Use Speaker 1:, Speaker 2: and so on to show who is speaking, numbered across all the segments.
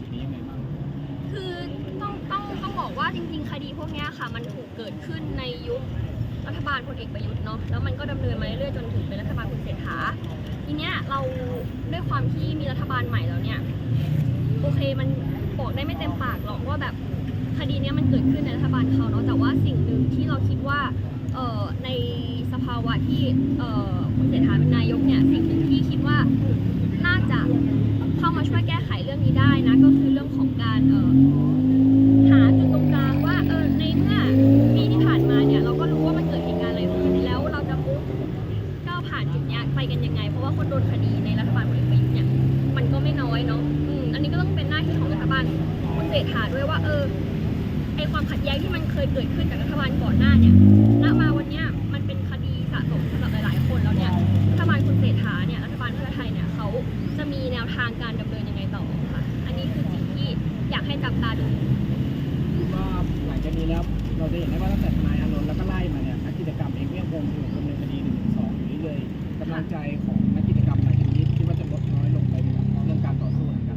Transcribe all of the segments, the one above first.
Speaker 1: จุดนี้ยังไงบ้าง
Speaker 2: คือต้องบอกว่าจริงๆคดีพวกนี้ค่ะมันถูกเกิดขึ้นในยุครัฐบาลพลเอกประยุทธ์เนาะแล้วมันก็ดำเนินมาเรื่อยๆจนถึงเป็นรัฐบาลคุณเศรษฐาทีเนี้ยเราด้วยความที่มีรัฐบาลใหม่แล้วเนี่ยโอเคมันบอกได้ไม่เต็มปากหรอกว่าแบบคดีนี้มันเกิดขึ้นในรัฐบาลเขาเนาะแต่ว่าสิ่งหนึ่งที่เราคิดว่าในสภาวะที่คุณเศรษฐาเป็นนายกเนี่ยสิ่งหนึ่งที่คิดว่าน่าจะเข้ามาช่วยแก้ไขเรื่องนี้ได้นะก็คือเรื่องของการหาจุดตรงกลางว่าในเมื่อปีที่ผ่านมาเนี่ยเราก็รู้ว่ามันเกิดเหตุการณ์อะไรขึ้นแล้วเราจะมุ่งก้าวผ่านจุดนี้ไปกันยังไงเพราะว่าคนโดนคดีในรัฐบาลพลเอกประยุทธ์เนี่ยมันก็ไม่น้อยเนาะอันนี้ก็ต้องเป็นหน้าที่ของรัฐบาลคุณเศรษฐาด้วยว่าไอความขัดแย้งที่มันเคยเกิดขึ้นกับรัฐบาลก่อนหน้าเนี่ยณมาวันนี้มันเป็นคดีสะสมสำหรับหลายๆคนแล้วเนี่ยรัฐบาลคุณเศรษฐาเนี่ยรัฐบาลเพื่อไทยเนี่ยเขาจะมีแนวทางการดำเนินยังไงต่อค่ะอันนี้คือสิ่งที่อยากให้จับตาดู
Speaker 1: ว่าหลังจากนี้แล้วเราจะเห็นได้ว่าตั้งแต่ทนายอานนท์แล้วก็ไล่มาเนี่ยนักกิจกรรมเองก็ยังคงถูกดำเนินคดี1-2อยู่เรื่อยๆกำลังใจของนักกิจกรรมหลังจากนี้คิดว่าจะลดน้อยลงไปไหมครับเรื่องการต่อสู้กัน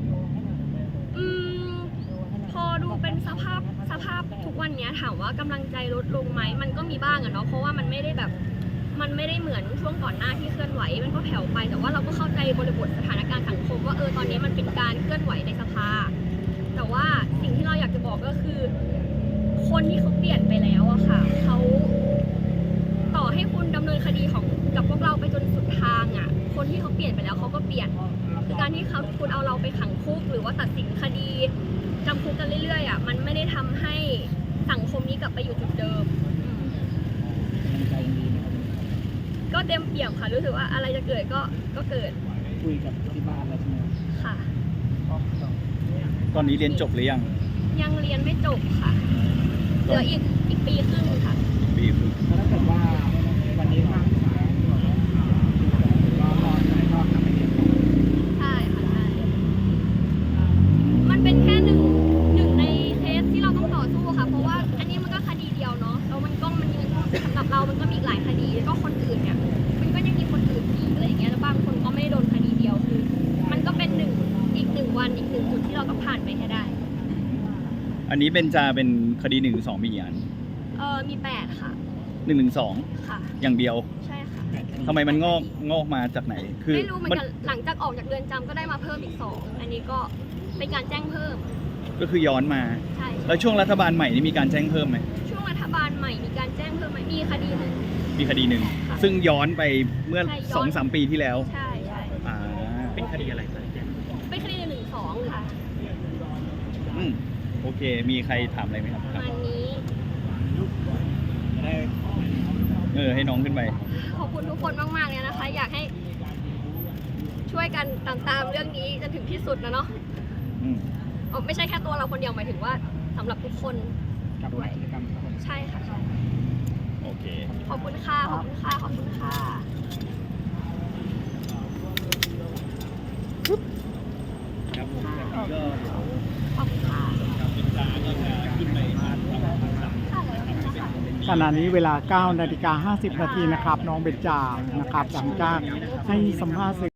Speaker 2: พอดูเป็นสภาพทุกวันนี้ถามว่ากำลังใจลดลงไหมมันก็มีบ้างอะเนาะเพราะว่ามันไม่ได้เหมือนช่วงก่อนหน้าที่เคลื่อนไหวมันก็แผ่วไปแต่ว่าเราก็เข้าใจบริบทสถานการณ์สังคมว่าตอนนี้มันเป็นการเคลื่อนไหวในสภาแต่ว่าสิ่งที่เราอยากจะบอกก็คือคนที่เขาเปลี่ยนไปแล้วอะค่ะเขาต่อให้คุณดำเนินคดีกับพวกเราไปจนสุดทางอะคนที่เขาเปลี่ยนไปแล้วเขาก็เปลี่ยนคือการที่คุณเอาเราไปขังคุกหรือว่าตัดสินคดีจำคุกกันเรื่อยๆอะมันไม่ได้ทำให้สังคมนี้กลับไปอยู่จุดเดิม
Speaker 1: ใจดีไหมครับ
Speaker 2: ก็เต็มเปี่ยมค่ะรู้สึกว่าอะไรจะเกิดก็เกิด
Speaker 1: คุยกับที่บ้านแล้วใช่ไหม
Speaker 2: ค่ะ
Speaker 3: ตอนนี้เรียนจบหรือยัง
Speaker 2: เรียนไม่จบค่ะเหลืออีกปีครึ่งค่ะ
Speaker 3: ปีครึ่ง
Speaker 1: ถ้าเกิดว่าวันนี้ทางศาลก็รอดใจก็ทำให้เรียน
Speaker 2: ใช่ค่ะใช่มันเป็นแค่หนึ่งในเคสที่เราต้องต่อสู้ค่ะเพราะว่าอันนี้มันก็คดีเดียวเนาะแล้วมันยังสำหรับเรามันก็มีหลายคดีแล้วก็คนอื่นเนี่ยมันก็ยังมีคนอื่นอีกอะไรอย่างเงี้ยแล้วบางคนก็ไม่ได้โดนคดีเดียวคือมันก็เป็นอีกหนึ่งวันอีกหนึ่งจุดที่เราต้องผ่านไปให้ได้
Speaker 3: อันนี้เป็นคดี1-2มีกี่อัน
Speaker 2: มี8ค่ะ
Speaker 3: 1-2
Speaker 2: ค่ะ
Speaker 3: อย่างเดียว
Speaker 2: ใช่ค่ะ
Speaker 3: ทำไมมันงอกมาจากไหนคือ
Speaker 2: ไม่รู้เหมือนกันหลังจากออกจากเรือนจำก็ได้มาเพิ่มอีก2อันนี้ก็เป็นการแจ้งเพิ่ม
Speaker 3: ก็คือย้อนมา
Speaker 2: ใช่
Speaker 3: แล้วช่วงรัฐบาลใหม่นี่มีการแจ้งเพิ่มไหม
Speaker 2: ช่วงรัฐบาลใหม่มีการแจ้งเพิ่มไหมมีคดีหนึ่ง
Speaker 3: ซึ่งย้อนไปเมื่อ 2-3 ปีที่แล้ว
Speaker 2: ใช่
Speaker 1: เป็นคดีอะไร
Speaker 2: เป็นคดี1-2ค่ะ
Speaker 3: โอเคมีใครถามอะไรไหมครับ
Speaker 2: วันนี้
Speaker 3: ได้ให้น้องขึ้นไป
Speaker 2: ขอบคุณทุกคนมากๆเลยนะคะอยากให้ช่วยกันตามเรื่องนี้จนถึงที่สุดนะเนาะไม่ใช่แค่ตัวเราคนเดียวหมายถึงว่าสำหรับทุกคนด้วยใช่ค่ะ
Speaker 3: โอเค
Speaker 2: ขอบคุณค่ะขอบคุณค่ะขอบคุณค่ะ
Speaker 3: ครับผมก็
Speaker 2: ขอบคุณค่ะ
Speaker 1: ขณะนี้เวลา 9:50 น.นะครับน้องเบญจานะครับหลังจากให้สัมภาษณ์